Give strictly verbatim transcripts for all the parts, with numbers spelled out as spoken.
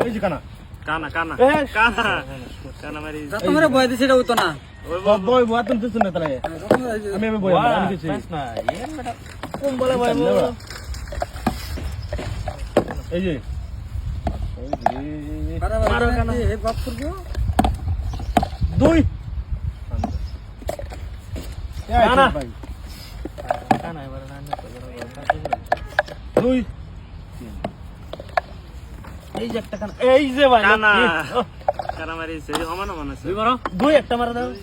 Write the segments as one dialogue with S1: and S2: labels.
S1: এই যে কানা
S2: কানা কানা
S1: এ,
S2: কানা কানা মারি
S3: তোমার বয় দিছে এটা হতো না
S2: ওই
S1: বয় বয় বয় তুমি দিছ না তাহলে আমি আমি বয় আমি কিছু
S2: না এর বেটা কোন বলে ভাই
S1: এই যে
S3: মারো কানা হে বাপ করবো
S1: দুই
S2: কানা।
S1: ভাই
S2: কানা এবারে না
S1: দুই এই যে একটা কানা এই যে ভাই
S2: কানা
S1: এই, ও,
S2: কানা মারি সে সমান সমান আছে
S1: দুই মারো দুই একটা মারা দাও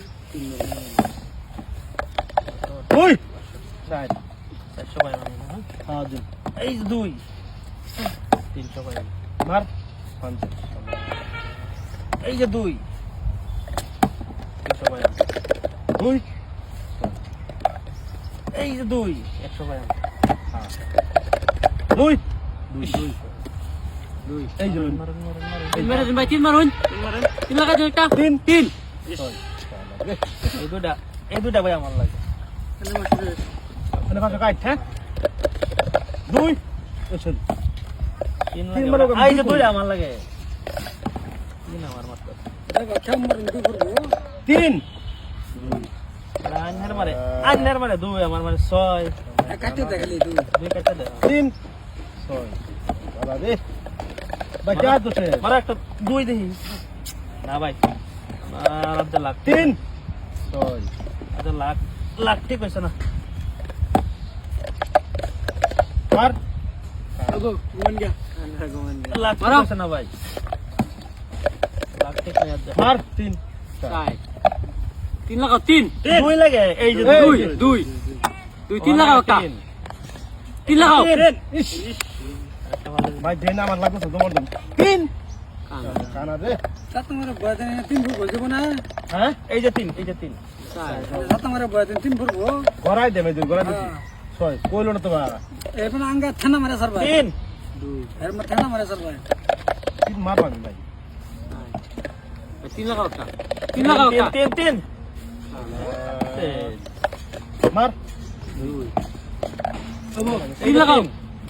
S1: দুই চার
S2: চারশো ভাই মানে না
S1: হ্যাঁ দুই এই যে দুই
S2: তিনশো ভাই
S1: মার পাঁচ এই যে দুই
S2: তিনশো ভাই
S1: দুই এই যে দুই
S2: একশো ভাই
S1: দুই
S2: দুই দুই দুই
S1: এই যে
S2: মারুন মারুন মারুন
S3: তিন মারুন ভাই তিন মারুন
S2: তিন মারেন
S3: তিন লাগা দিও একটা
S1: তিন
S3: তিন
S2: এই দুটা এই দুটা ভাই আমার লাগে
S1: মানে পাঁচশো কাট হ্যাঁ দুই আচ্ছা
S2: তিন
S1: তিন
S2: লাগে
S1: মারো,
S2: এই যে
S1: দুই
S2: দুইটা আমার লাগে তিন আমার মাত্র
S3: কেমন মারুন কি করবো
S1: তিন
S2: আন্নার মারে আন্নার মারে দুই আমার মানে ছয়
S3: কাটতে দেখালি তুই
S2: দুই কাটা দে
S1: তিন ছয় বাবা রে ভাই কে তো সে
S2: মারা একটা দুই দেখি না ভাই আমার আধা লাখ
S1: তিন ছয়
S2: আধা লাখ লাখ ঠিক হয়েছে না
S1: চার
S3: আগো ঘুমান গিয়া
S2: লাখ ঠিক
S3: মারো।
S2: হয়েছে না ভাই লাখ ঠিক নেই আধা
S1: চার তিন চার
S3: চাই তিন লাগাও তিন
S2: দুই লাগে এই যে
S1: এই
S3: দুই
S1: যে।
S3: দুই দুই তিন লাগাও একটা
S2: তিন।
S3: তিন লাগাও
S1: ইস
S2: একটা ভালো
S1: ভাই দেন আমার লাগবে তো তোমার দাম তিন
S3: কানা
S1: কানা রে
S3: তা তোমার বয় দেন তিন ফুট বলছো না
S1: হ্যাঁ
S2: এই যে তিন এই যে তিন
S3: চাই তা তোমার বয় দেন তিন ফুট বো
S1: গড়াই দেবে দুই গড়াই দিছি ছয় কইলো না তো বাবা
S3: এখন আঙ্গা থানা মারে স্যার ভাই
S2: তিন
S3: দুই এর মধ্যে থানা মারে স্যার ভাই
S1: তিন মারবা ভাই
S3: তিন লাগাও একটা তিন লাগাও
S2: তিন
S3: একটা
S2: তিন তিন
S1: মার
S3: দুই তিন লাগাও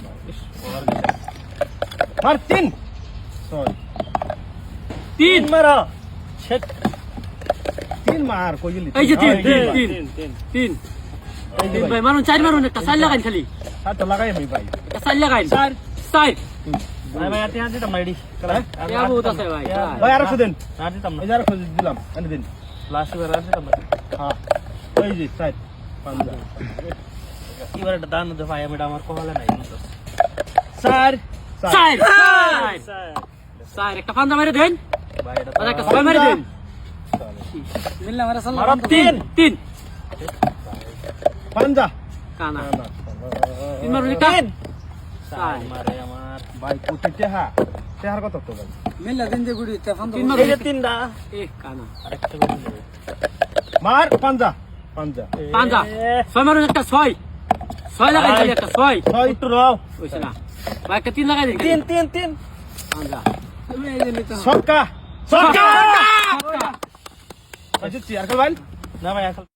S1: মার তিন ছয়
S3: তিন
S2: মারা
S1: শেট তিন মার কই গেলি
S3: এই যে তিন,
S1: হ্যাঁ,
S3: তিন,
S1: মার।
S3: তিন।
S2: তিন তিন
S3: তিন
S1: এই যে
S3: তিন
S1: ভাই
S3: ভাই মারুন চার মারুন একটা চার লাগাইন খালি
S1: আর তো লাগাই আমি ভাই
S3: একটা চার লাগাইন
S2: চার।
S3: চার
S2: ভাই ভাই আতে আতে তো মাইডি
S1: হ্যাঁ?
S3: ইয়া বহুত আছে ভাই
S1: ভাই আরেকশো দিন
S2: আতে তো
S1: এই যে আরেকশো দিলাম এনে দিন
S2: লাস্ট বার আতে তো
S1: হ্যাঁ এই যে সাইড পাঁচটা
S2: এবারে একটা দান দে ভাই আমি আমার কোহালে নাই
S1: চার
S3: চার
S2: চার
S3: চার একটা পান্দা মেরে দেন
S2: ভাই এটা
S3: আর একটা ছয় মেরে দেন মিললে মারা সাল্লাহ
S2: মারো
S3: তিন তিন
S1: পাঞ্জা
S3: কানা তিন মারুন একটা
S2: চার মারে আমার
S1: ভাই কোটি টেহা টেহার কত তো ভাই
S3: মিললে দিন যে গুড়ি তে পান্দা
S2: তিন
S3: তিন
S2: মারে
S3: মারুন
S2: এই যে তিনটা
S3: এ কানা
S2: আরেকটা করে দেবে
S1: মার পাঞ্জা পাঞ্জা
S3: পান্দা ছয় মারুন একটা ছয় ছয় লাগাইন খালি একটা ছয়
S1: ছয়
S2: একটু রাও
S3: হইছে না ভাই একটা তিন লাগাই দিন
S2: তিন তিন তিন
S3: পান্দা তুমি এই যে নিতে
S1: ছক্কা ছক্কা
S3: ছক্কা
S1: আচ্ছা চেয়ার কর ভাই
S2: না ভাই এখন